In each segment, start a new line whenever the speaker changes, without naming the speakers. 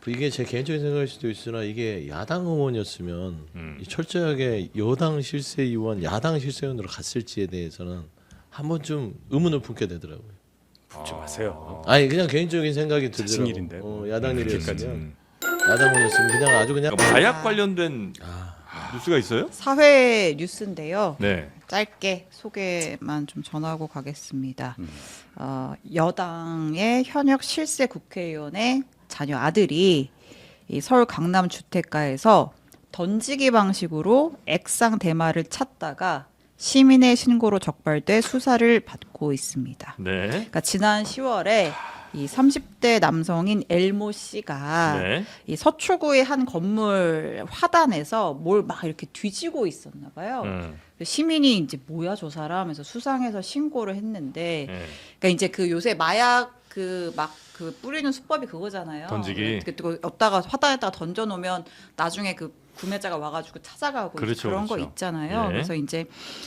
이게 제 개인적인 생각일 수도 있으나 이게 야당 의원이었으면 이 철저하게 여당 실세 의원, 야당 실세 의원으로 갔을지에 대해서는 한 번쯤 의문을 품게 되더라고요.
묻지 마세요.
아니 그냥 개인적인 생각이 들더라고요.
자칭일인데.
야당 일이었으면 야당 의원이었으면 그냥 아주 그냥
그러니까 마약 관련된 뉴스가 있어요?
사회 뉴스인데요.
네.
짧게 소개만 좀 전하고 가겠습니다. 여당의 현역 실세 국회의원의 자녀 아들이 이 서울 강남 주택가에서 던지기 방식으로 액상 대마를 찾다가 시민의 신고로 적발돼 수사를 받고 있습니다.
네.
그러니까 지난 10월에 이 30대 남성인 엘모 씨가
네.
이 서초구의 한 건물 화단에서 뭘 막 이렇게 뒤지고 있었나 봐요. 시민이 이제 뭐야 저 사람 해서 수상해서 신고를 했는데
네.
그러니까 이제 그 요새 마약 그 막 그 뿌리는 수법이 그거잖아요.
던지기.
었다가 화단에다가 던져 놓으면 나중에 그 구매자가 와가지고 찾아가고
그렇죠,
그런 거
그렇죠.
있잖아요.
네.
그래서 이제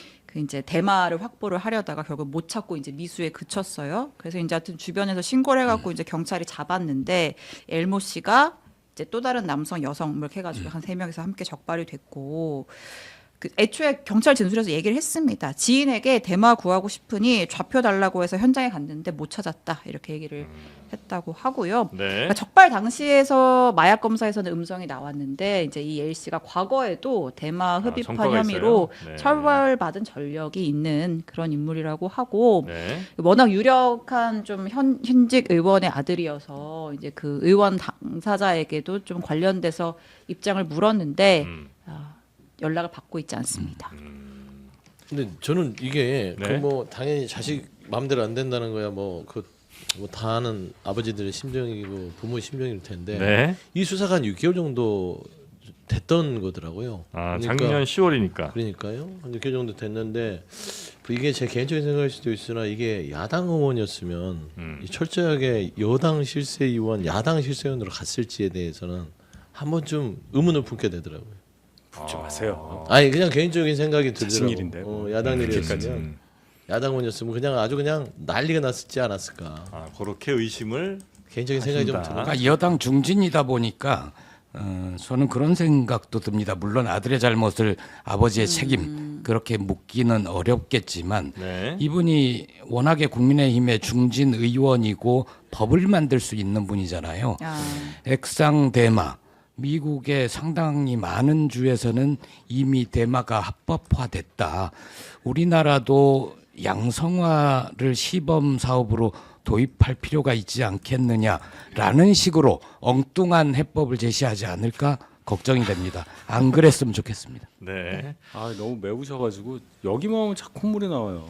대마를 확보를 하려다가 결국 못 찾고 이제 미수에 그쳤어요. 그래서 이제 하여튼 주변에서 신고를 해갖고 이제 경찰이 잡았는데 엘모 씨가 이제 또 다른 남성, 여성 이렇게 해가지고 한 3명이서 함께 적발이 됐고. 그 애초에 경찰 진술에서 얘기를 했습니다. 지인에게 대마 구하고 싶으니 좌표 달라고 해서 현장에 갔는데 못 찾았다 이렇게 얘기를 했다고 하고요.
네.
그러니까 적발 당시에서 마약 검사에서는 음성이 나왔는데 이제 이 L 씨가 과거에도 대마 흡입한
전과가
혐의로
있어요? 네.
처벌받은 전력이 있는 그런 인물이라고 하고
네.
워낙 유력한 좀 현직 의원의 아들이어서 이제 그 의원 당사자에게도 좀 관련돼서 입장을 물었는데 연락을 받고 있지 않습니다.
근데 저는 이게
네.
그 뭐 당연히 자식 마음대로 안 된다는 거야 뭐 그 뭐 다 아는 아버지들의 심정이고 부모의 심정일 텐데
네.
이 수사가 한 6개월 정도 됐던 거더라고요.
작년 10월이니까.
그러니까요. 한 6개월 정도 됐는데 이게 제 개인적인 생각일 수도 있으나 이게 야당 의원이었으면 이 철저하게 여당 실세 의원, 야당 실세 의원으로 갔을지에 대해서는 한 번쯤 의문을 품게 되더라고요.
묻지 마세요.
아니 그냥 개인적인 생각이
자칭일인데.
들더라고요. 야당 일이었으면 야당 의원이었으면 그냥 아주 그냥 난리가 났지 않았을까.
그렇게 의심을
개인적인 생각이 좀
하신다.
들어요.
그러니까 여당 중진이다 보니까 저는 그런 생각도 듭니다. 물론 아들의 잘못을 아버지의 책임 그렇게 묻기는 어렵겠지만
네.
이분이 워낙에 국민의힘의 중진 의원이고 법을 만들 수 있는 분이잖아요. 액상 대마. 미국의 상당히 많은 주에서는 이미 대마가 합법화됐다. 우리나라도 양성화를 시범 사업으로 도입할 필요가 있지 않겠느냐라는 식으로 엉뚱한 해법을 제시하지 않을까 걱정이 됩니다. 안 그랬으면 좋겠습니다.
네.
너무 매우셔가지고 여기만 하면 자꾸 콧물이 나와요.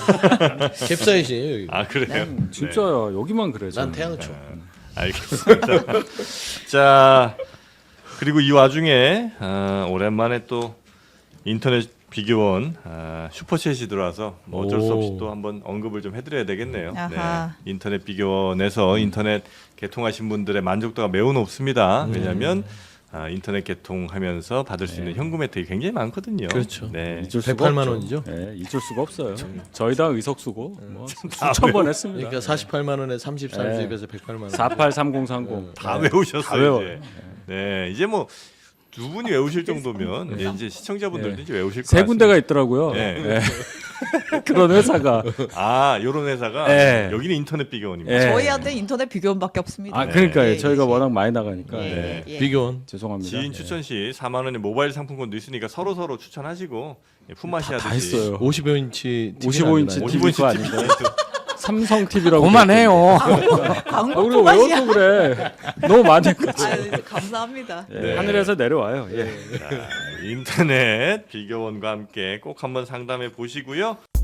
캡사이신이에요 여기.
그래요.
진짜요. 여기만 그래.
난
저는.
태양초.
알겠습니다. 자, 그리고 이 와중에 오랜만에 또 인터넷 비교원 슈퍼챗이 들어와서 뭐 어쩔 수 없이 또 한번 언급을 좀 해드려야 되겠네요.
아하.
네. 인터넷 비교원에서 인터넷 개통하신 분들의 만족도가 매우 높습니다. 왜냐하면 인터넷 개통하면서 받을 수 있는 현금 혜택이 굉장히 많거든요.
그렇죠.
네.
잊을 수가
108만
없죠.
원이죠?
네, 잊을 수가 없어요. 저희 당 의석수고 뭐 수천 번 했습니다.
그러니까 48만 원에 34주입에서 108만 원.
483030
다 외우셨어요.
다 외워요.
이제. 네, 이제 뭐 두 분이 외우실 정도면 이제 시청자분들도 이제 외우실 것
세
같습니다.
군데가 있더라고요.
네.
네. 그런 회사가.
요런 회사가
네.
여기는 인터넷 비교원입니다.
네.
저희한테 인터넷 비교원밖에 없습니다.
그러니까요.
예,
저희가
예.
워낙 많이 나가니까.
예,
네.
예.
비교원.
죄송합니다.
지인 추천 시 4만 원의 모바일 상품권도 있으니까 서로 추천하시고 품앗이
다
하듯이
했어요.
55인치
55인치 TV 거 아닌데. 삼성 TV라고.
그만해요.
광고
우리가 왜
포괄이야.
또 그래? 너무 많이 했거든.
감사합니다.
네. 하늘에서 내려와요. 예.
인터넷 비교원과 함께 꼭 한번 상담해 보시고요.